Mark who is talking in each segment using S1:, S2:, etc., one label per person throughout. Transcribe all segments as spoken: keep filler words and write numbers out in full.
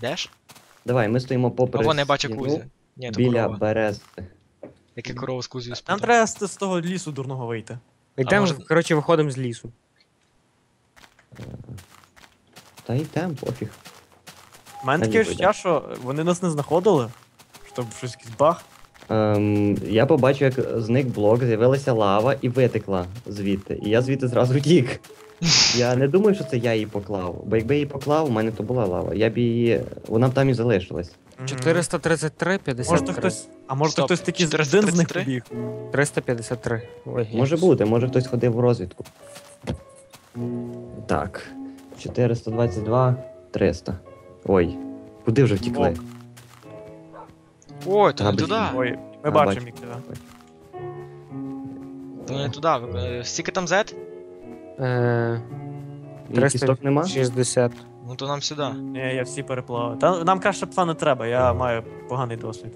S1: Йдеш?
S2: Давай, ми стоїмо попри
S1: Або не бачу
S2: стіну
S1: Кузю. Ні, то
S2: біля
S1: корова.
S2: берези.
S1: Як я корову з Кузею
S3: Нам
S1: спутав.
S3: треба з, з того лісу дурного вийти.
S4: Йдемо,
S1: може-
S4: коротше, виходимо з лісу.
S2: Та йдем, пофіг.
S3: У мене
S2: Та
S3: таке
S2: ні,
S3: відчуття, що вони нас не знаходили. Щоб щось якийсь баг.
S2: Ем, я побачив, як зник блок, з'явилася лава і витекла звідти. І я звідти зразу тік. Я не думаю, що це я її поклав. Бо якби я її поклав, у мене то була лава. Я б її. Вона б там і залишилась.
S3: Мгм.
S4: чотириста тридцять три, п'ятдесят
S3: Може то
S4: три.
S3: хтось. А може то
S1: Стоп,
S3: хтось такий
S1: чотириста
S3: один з них
S1: тридцять три?
S3: побіг.
S4: триста п'ятдесят три. Ой,
S2: Може
S4: якось.
S2: бути, може хтось ходив в розвідку. Так. чотириста двадцять два, триста. Ой. Куди вже втікли?
S1: Ой, то
S2: Та,
S1: не
S2: блін.
S1: туди.
S3: Ой, ми
S2: А,
S3: бачимо
S2: бачу.
S3: їх тебе.
S1: То не туди. Ви- Скільки там зет?
S4: Е,
S2: І кісток нема?
S4: триста шістдесят.
S1: Ну то нам сюди.
S3: Ні, я всі переплавав. Та нам краще пса не треба, я маю поганий досвід.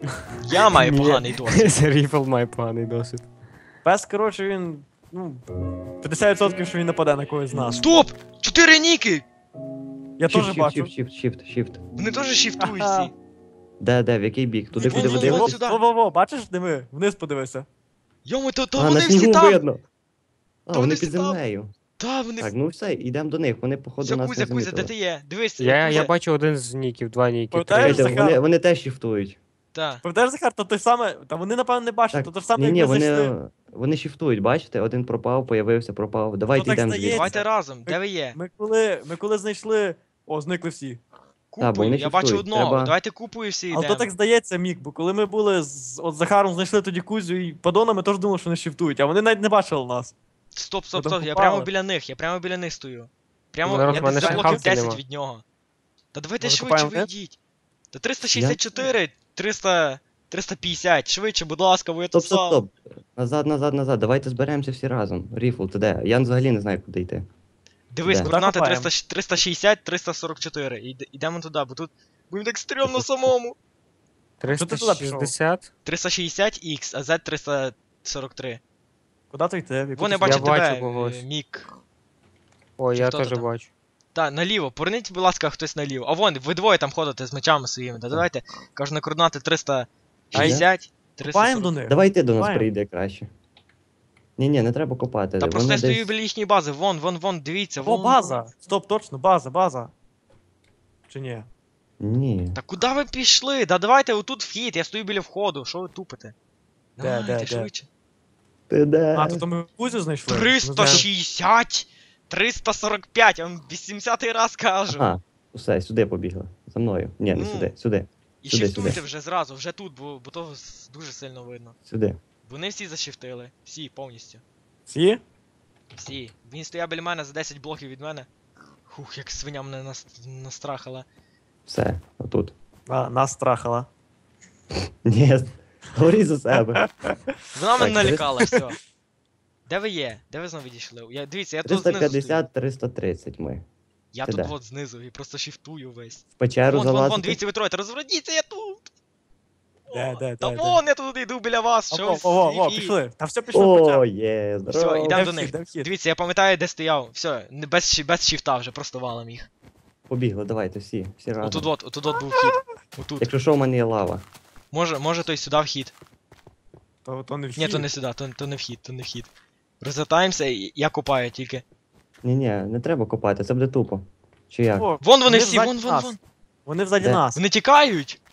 S1: Я маю
S4: Ні.
S1: поганий досвід.
S4: Ріфл має поганий досвід.
S3: Пес, коротше, він. Ну. п'ятдесят відсотків, що він нападе на когось з нас.
S1: Стоп! Чотири ніки!
S3: Я
S2: Shift,
S3: теж
S2: shift,
S3: бачу.
S2: shift, shift, shift, shift.
S1: Вони теж шіфтують
S3: Ага.
S1: всі.
S2: Де, де, в який бік? Туди,
S1: Вон,
S2: куди
S1: вон,
S2: ви
S1: вон,
S2: дивитесь?
S1: сюди.
S3: Во-во-во, бачиш, де ми? Вниз подивися.
S1: Йому, то, то
S2: А, на
S1: вони всі
S2: снігу
S1: там!
S2: видно. А,
S1: Та вони
S2: вони
S1: всі
S2: під
S1: там.
S2: землею.
S1: Та, вони...
S2: Так, ну все, йдемо до них. Вони, походу,
S1: Все,
S2: нас
S1: Кузя,
S2: не
S1: Кузя, де
S2: замітили.
S1: ти є? Дивись,
S4: Я, я
S1: Кузя.
S4: бачу один з ніків, два ніки.
S3: Пам'ятаєш,
S4: три.
S2: Чекайте,
S3: Захар?
S2: вони, вони теж шіфтують.
S1: Та.
S3: Пам'ятаєш, Захар, то той саме. Та вони, напевно, не бачать,
S2: Так,
S3: то те ж саме,
S2: ні,
S3: як
S2: ні,
S3: ми
S2: вони,
S3: зайшли.
S2: вони шіфтують, бачите? Один пропав, появився, пропав. Давайте
S3: так
S2: йдемо
S3: стається.
S2: звідси.
S1: Давайте разом, де ви є?
S3: Ми коли, ми коли знайшли. О, зникли всі.
S2: бо вони
S1: Купою, я бачу
S2: шіфтують,
S1: одного.
S2: треба-
S1: Давайте купою всі
S3: Але то
S1: йдемо.
S3: так здається, Мік, бо коли ми були з от Захаром, знайшли тоді Кузю і Падона, ми теж думали, що вони шіфтують, а вони навіть не бачили нас.
S1: Стоп,
S3: Ми
S1: стоп,
S3: там
S1: стоп, я
S3: попали.
S1: прямо біля них, я прямо біля них стою. Прямо,
S4: Народ,
S1: я
S4: в мене
S1: десь за
S4: ще
S1: блоків
S4: хавки
S1: десять
S4: нема.
S1: від нього. Та давайте
S3: Може,
S1: швидше
S3: купаємо
S1: вийдіть. Та триста шістдесят чотири, триста, триста п'ятдесят, швидше, будь ласка, ви я
S2: Стоп,
S1: тут
S2: стоп,
S1: сам.
S2: стоп. Назад, назад, назад. Давайте зберемося всі разом. Ріфл, ти де? Я взагалі не знаю, куди йти.
S1: Дивись,
S2: Де?
S1: координати
S3: Копаємо.
S1: триста, триста шістдесят, триста сорок чотири. Іде- Ідемо туди, бо тут будемо так стрьомно самому.
S4: триста
S3: Що ти туди пішов?
S4: шістдесят.
S1: триста шістдесят ікс, а зет триста сорок три.
S3: Куди то йти? В яку
S1: Вони
S3: ти
S1: бачать
S4: Я бачу
S1: тебе,
S4: когось.
S1: е, Мік.
S4: Ой,
S1: Чи
S4: я
S1: хто то
S4: теж
S1: там?
S4: бачу.
S1: Та, наліво, поверніть, будь ласка, хтось наліво. А вон, ви двоє там ходите з мечами своїми. Та давайте, кажу, на координати триста шістдесят, триста
S3: Копаємо до
S1: сорок.
S3: них.
S2: Давай ти до нас
S3: Копаємо.
S2: прийде краще. Ні, ні, не треба копати.
S1: Та
S2: Вони
S1: просто я стою
S2: десь-
S1: біля їхньої бази. Вон, вон, вон, дивіться,
S3: О,
S1: вон.
S3: база! Стоп, точно, база, база. Чи ні?
S2: Ні.
S1: Та куди ви пішли? Да давайте отут вхід, я стою біля входу. Що ви тупите?
S3: Де,
S1: Давайте,
S3: де, де?
S1: швидше.
S2: Ти де?
S3: А, то, то ми Кузю знайшли. Ми
S1: триста
S3: знаємо.
S1: шістдесят, триста сорок п'ять, я вам вісімдесятий раз кажу.
S2: Ага, все, сюди побігли. За мною. Ні, не
S1: Ну.
S2: сюди, сюди,
S1: І
S2: сюди,
S1: шифтуйте
S2: сюди.
S1: вже зразу, вже тут, бо, бо то с- дуже сильно видно.
S2: сюди.
S1: Вони всі зашифтили. Всі, повністю.
S3: Всі?
S1: Всі. Він стояв біля мене за десять блоків від мене. Хух, як свиня мене нас... настрахала.
S2: Все, отут.
S3: А, нас страхала.
S2: Ні, говори за себе.
S1: Вона мене
S2: Так,
S1: налякала, все. Де ви є? Де ви знову відійшли? Я, дивіться, я тут
S2: триста
S1: знизу стою.
S2: п'ятдесят, триста тридцять ми.
S1: Я
S2: Ти
S1: тут
S2: де?
S1: от знизу і просто шифтую весь.
S2: В печеру
S1: Вон, вон, вон,
S2: залазити.
S1: дивіться, ви троє, та розверніться, я тут!
S3: Де,
S1: О,
S3: де,
S1: Та
S3: де, де?
S1: вон, я тут йду біля вас,
S3: О,
S1: що
S3: о,
S1: ви
S3: о, о,
S1: сліпі?
S3: пішли. Та все пішло в
S2: О,
S3: початку.
S2: є,
S1: Все,
S2: здорово.
S1: ідемо
S3: Де
S1: до
S3: вхід,
S1: них.
S3: де вхід?
S1: Дивіться, я пам'ятаю, де стояв. Все, не без, ші- без шифта вже, просто валом їх.
S2: Побігли, давайте всі, всі разом.
S1: Отут от, отут от був вхід. Отут.
S2: Якщо що, в мене є лава.
S1: Може, може той сюди вхід.
S3: То, то не вхід.
S1: Ні, то не сюди, то, то не вхід, то не вхід. Розвертаємося, і я копаю тільки.
S2: Ні-ні, не треба копати, це буде тупо. Чи як?
S3: О,
S1: Вон вони всі,
S3: взаді
S1: вон, вон,
S3: нас.
S1: вон.
S3: Вони взаді
S2: Де?
S3: нас.
S1: Вони тікають.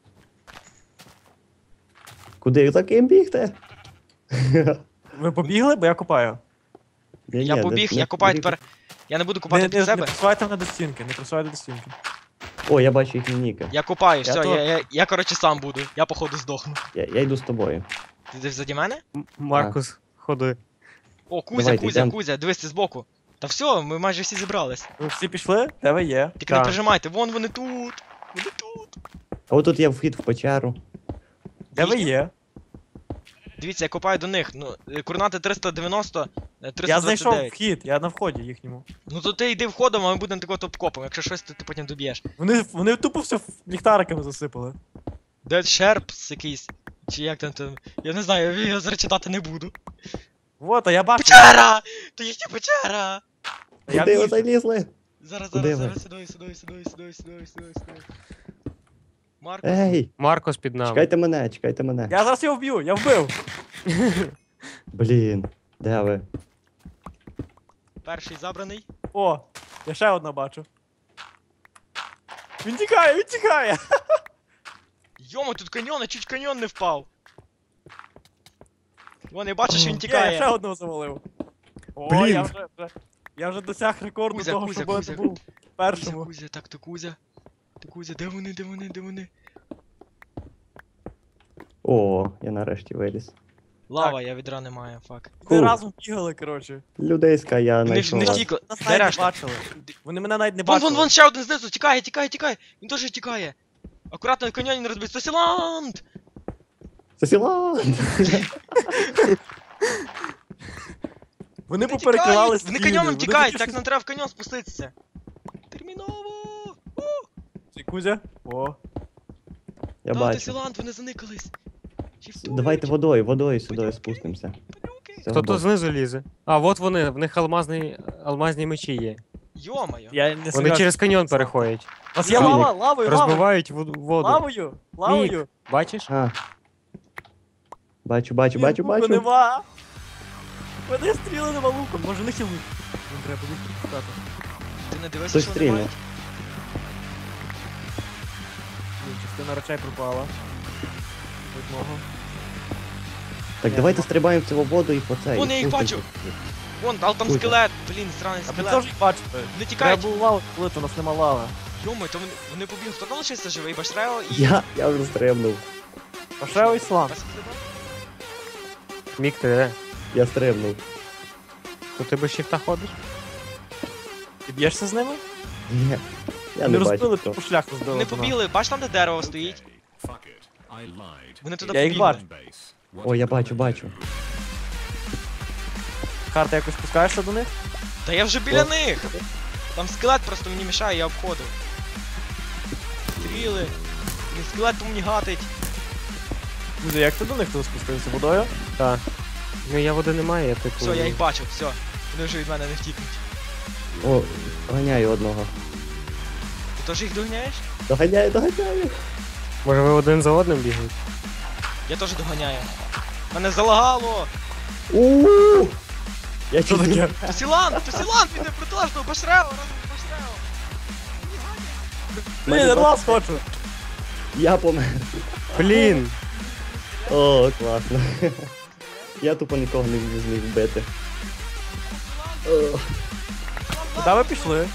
S2: Куди за ким бігти?
S3: Ви побігли, бо я копаю.
S2: Ні-ні,
S1: Я
S2: не-
S1: побіг,
S2: не-
S1: я копаю
S2: не-
S1: тепер. Я не буду
S3: Не,
S1: копати
S3: не,
S1: під
S3: не
S1: себе.
S3: присувайте мене до стінки, не присувайте до стінки.
S2: О, я бачу їхні ніки.
S1: Я копаю,
S3: Я
S1: все,
S3: то-
S1: я, я, я, коротше, сам буду. Я походу здохну.
S2: Я, я йду з тобою.
S1: Ти десь заді мене?
S4: М- Маркус, ходи.
S1: О, Кузя,
S2: Давайте,
S1: Кузя,
S2: йдем.
S1: Кузя, дивись ти збоку. Та все, ми майже всі зібрались.
S3: Ви всі пішли? Де ви є?
S1: Тільки не
S4: Так.
S1: прижимайте, вон вони тут. Вони тут.
S2: А отут є вхід в печеру.
S3: Де ви
S1: Їхні?
S3: є?
S1: Дивіться, я копаю до них. Ну, е, координати триста дев'яносто, е,
S3: Я
S1: триста двадцять
S3: знайшов
S1: дев'ять.
S3: вхід, я на вході їхньому.
S1: Ну то ти йди входом, а ми будемо такого топ-копом. Якщо щось, то ти потім доб'єш.
S3: Вони, вони тупо все ліхтариками засипали.
S1: Dead Sharps якийсь. Чи як там там. Я не знаю, я його зараз читати не буду.
S3: Вот, а я бачу.
S1: Печера! То їхня печера!
S3: Я
S2: Куди ви
S3: в'їжджу.
S2: залізли?
S1: Зараз,
S2: Куди
S1: зараз,
S2: ви?
S1: зараз, сюди, сюди, сюди, сюди, сюди, сюди, сюди. Маркус,
S2: Ей!
S4: Маркос під нами.
S2: Чекайте мене, чекайте мене.
S3: Я зараз його вб'ю, я вбив.
S2: Блін, де ви?
S1: перший забраний.
S3: О, я ще одна бачу. Він тікає, він тікає.
S1: Йома, тут каньйон, а чуть каньйон не впав. Вон, я бачу, що він
S3: Є, я ще
S1: тікає.
S3: одного завалив. О,
S2: Блін.
S3: я вже, вже, я вже досяг рекорду
S1: Кузя,
S3: того,
S1: Кузя,
S3: щоб
S1: Кузя.
S3: я був
S1: Кузя,
S3: першому.
S1: Кузя, так, то Кузя. То Кузя, де вони, де вони, де вони?
S2: О, я нарешті виліз.
S1: Лава, я відра не маю, фак.
S3: Ми
S2: Фу.
S3: разом бігали, коротше.
S2: Людейська я
S1: Вони ж не
S2: знайшов.
S1: втікли.
S3: Нас
S1: Де
S3: навіть не
S1: решта?
S3: бачили. Вони мене навіть не
S1: Вон,
S3: бачили.
S1: вон, вон, ще один знизу, тікає, тікає, тікає. Він теж тікає. Акуратно, каньйон не розбить. Сосіланд!
S2: Сосіланд!
S3: Вони
S1: Вони
S3: поперекривали
S1: тікають, Вони
S3: стіни,
S1: каньйоном
S3: вони
S1: тікають,
S3: тільки
S1: так
S3: що-
S1: нам треба в каньйон спуститися. Терміново!
S3: Цей Кузя? О.
S2: Я
S1: Та,
S2: бачу.
S1: Сосіланд, вони заникались. Шіфтують.
S2: Давайте водою, водою сюди спустимося.
S1: Падлюки.
S2: Цього
S4: Хто
S2: боку.
S4: тут знизу лізе? А, от вони, в них алмазні, алмазні мечі є.
S1: Йо-моє.
S3: Я не
S4: Вони
S3: согласен.
S4: через каньйон переходять.
S3: У вас є
S2: Ні.
S3: лава? Лавою, лавою.
S4: Розбивають вод- воду.
S3: Лавою, лавою.
S4: Бачиш?
S2: А. Бачу, бачу,
S3: Ні,
S2: бачу,
S3: луку
S2: бачу.
S3: нема. Мене стріли нема луком. Може не лук. Їм треба лук шукати.
S1: Ти не дивишся,
S2: Хтось
S1: що вони
S2: стрільнув.
S1: мають?
S3: Ні, частина речей пропала. Одного.
S2: Так, давайте стрибаємо в цю воду і по цей.
S1: Вон, я їх
S2: спустимося.
S1: Вон, але там
S2: Кузя.
S1: скелет. Блін, сраний
S3: А ви
S1: скелет.
S3: теж їх бачите.
S1: Вони
S3: Треба
S1: тікають.
S3: було лаву, коли то у нас нема лави.
S1: Йомо, то вони, вони побігли. Хто там лишився живий? Башрео і...
S2: Я, я вже стрибнув.
S3: Пошео іслам.
S1: Вас хліба?
S4: Мік, ти де?
S2: Я стрибнув.
S4: То ти без шифта ходиш?
S3: Ти б'єшся з ними?
S2: Ні. Я
S3: Вони
S2: не
S3: розбили,
S2: бачу.
S3: типу
S2: хто.
S3: шлях розбили.
S1: Вони
S3: до нас.
S1: побігли, бач там, де дерево стоїть? Вони туди
S3: Я їх
S1: побігли.
S3: бачу.
S2: О, я бачу, бачу.
S3: Карта якось спускаєшся до них?
S1: Та я вже біля
S2: О.
S1: них! Там скелет просто мені мішає, я обходив. Стріли. Блін, скелет по мені гатить.
S3: Кузя, як ти до них туди спустився? Водою?
S4: Так. Ну я води немає, я типу.
S1: Все, я їх бачу, все. Вони вже від мене не втікнуть.
S2: О, доганяю одного.
S1: Ти теж їх доганяєш?
S2: Доганяю, доганяю.
S4: Може ви один за одним бігаєте?
S1: Я теж доганяю. Мене залагало!
S2: Ууу! Я
S3: Що
S2: чуть
S3: таке?
S2: не-
S1: Тосілан! Тосілан! Він не протилежного! Башрео! Разом з Башрео!
S3: Блін, я до вас хочу.
S2: Я помер.
S4: Блін!
S2: О, класно. Я тупо нікого не зміг вбити. О,
S3: Куди ви пішли?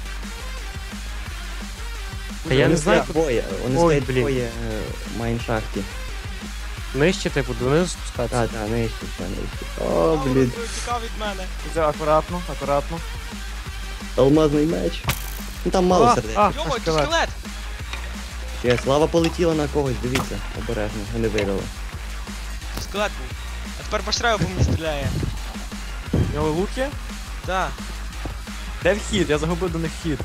S4: Та я не
S2: вони
S4: знаю,
S2: стоять двоє, вони
S4: Ой,
S2: стоять
S4: блін.
S2: двоє е, в майншахті.
S4: Нижче, типу, донизу спускатися.
S2: Так, так, нижче, ще нижче. О, блін.
S1: Тікав від мене.
S3: Кузя, акуратно, акуратно.
S2: Алмазний меч. Ну там мало
S4: А,
S2: сердець.
S4: а,
S1: Йомо, тут
S4: скелет.
S1: скелет!
S2: Є, слава полетіла на когось, дивіться, обережно, не вирило.
S1: Тут скелет був. А тепер Башрео по мені стріляє.
S3: У нього луки?
S1: Так.
S3: Де вхід? Я загубив до них вхід.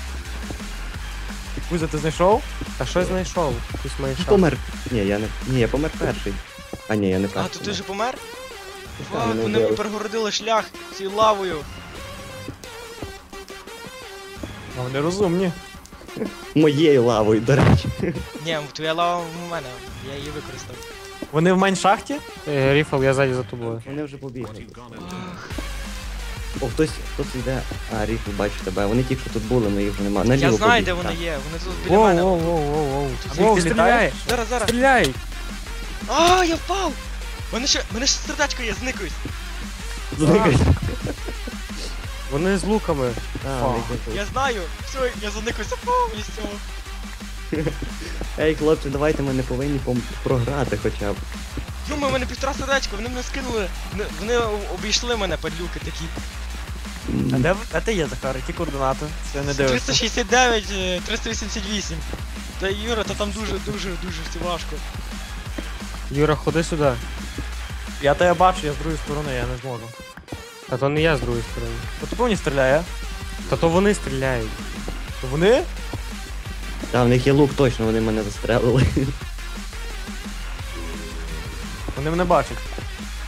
S3: Кузя, ти знайшов?
S4: А що знайшов? Якийсь
S2: Ти
S4: майшак.
S2: помер. Ні, я не. Ні, я помер перший. А ні, я не
S1: А,
S2: перший.
S1: то ти вже помер?
S2: Так,
S1: Фак,
S2: мене
S1: вони мені
S2: вбили.
S1: перегородили шлях цією лавою.
S3: А вони розумні.
S2: Моєю лавою, до речі.
S1: Ні, твоя лава в мене, я її використав.
S3: Вони в майншахті?
S4: Е, Ріфл, я ззаді за тобою.
S2: Вони вже побігли.
S1: Ах,
S2: О, хтось, хтось йде. А, Ріфл, бачу тебе. Вони тільки що тут були, але їх вже нема. Наліво
S1: я знаю,
S2: побіг,
S1: де вони
S2: так.
S1: є, вони тут біля
S4: Воу,
S1: мене.
S4: воу, воу, воу, воу.
S3: А
S4: Воу,
S3: ти
S4: стріляй!
S3: літаєш?
S1: Зараз, зараз.
S4: Стріляй!
S1: А, я впав! У мене ще, у мене ще сердечко є, зникаюсь.
S2: Зникай.
S4: Вони з луками.
S2: А, вони тут.
S1: Я знаю, все, я заникуюся повністю.
S2: Ей, хлопці, давайте ми не повинні пом- програти хоча б.
S1: Йома, у мене півтора сердечка, вони мене скинули. Вони, вони обійшли мене, падлюки такі.
S3: А де, ви- де ти є, Захар? Які координати? Це не дивишся.
S1: триста шістдесят дев'ять, е, триста вісімдесят вісім. Та Юра, та там дуже, дуже, дуже все важко.
S4: Юра, ходи сюди.
S3: Я тебе бачу, я з другої сторони, я не зможу.
S4: Та то не я з другої сторони.
S3: По тобі мені стріляє.
S4: Та то вони стріляють.
S3: То вони?
S2: Та, в них є лук, точно, вони мене застрелили.
S3: Вони мене бачать.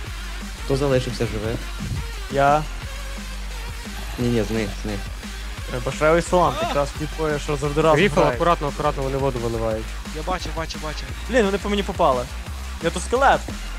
S2: Хто залишився живе?
S3: Я.
S2: Ні, ні, з них, з них.
S3: Башревий салант, якраз ті твоє, що завжди разом
S4: Ріфл,
S3: грають.
S4: акуратно, акуратно вони воду виливають.
S1: Я бачу, бачу, бачу.
S3: Блін, вони по мені попали. Я тут скелет.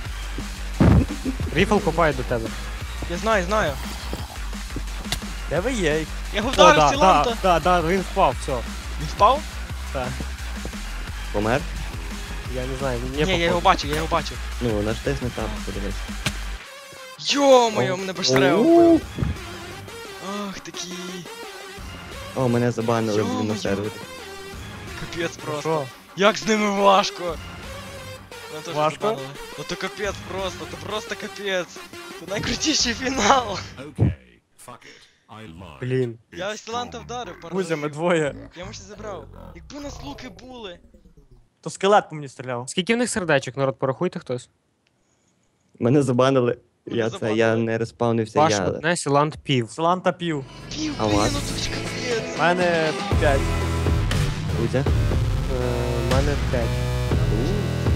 S4: Ріфл копає до тебе.
S1: Я знаю, знаю.
S3: Де ви є?
S1: Я його
S4: О,
S1: вдарив
S4: да,
S1: Сіланта.
S4: да, да, да, він впав, все.
S1: Він впав?
S2: Помер?
S4: Я не знаю, він не
S1: Ні, я його
S4: попав.
S1: бачу, я його бачу.
S2: Ну, натисни там, подивись.
S1: Йо-моє,
S2: О.
S1: мене баштерео
S2: О.
S1: вбив. Ах, такі.
S2: О, мене забанили блін,
S1: Йо-моє.
S2: на сервері.
S1: Капець просто.
S3: Що?
S1: Як з ними важко. Мене теж
S3: Важко?
S1: забанили. Ну то капець просто, то просто капець. Це найкрутіший фінал.
S5: Okay, fuck it. I lied.
S4: Блін.
S1: Я Сіланта вдарив пару
S3: Кузя, ми
S1: разів.
S3: двоє.
S1: Я може забрав. Якби у нас луки були.
S3: То скелет по мені стріляв.
S4: Скільки в них сердечок, народ, порахуйте хтось.
S2: Мене забанили.
S1: Мене
S2: Я це,
S1: забанили.
S2: я не респавнився,
S4: Ваш
S2: я...
S4: одне, Сілант пів.
S3: Саланта пів.
S1: Пів,
S2: А у
S1: блін,
S2: вас?
S1: ну це ж капець.
S3: У мене п'ять.
S2: Кузя.
S4: Е, У мене п'ять.
S2: У,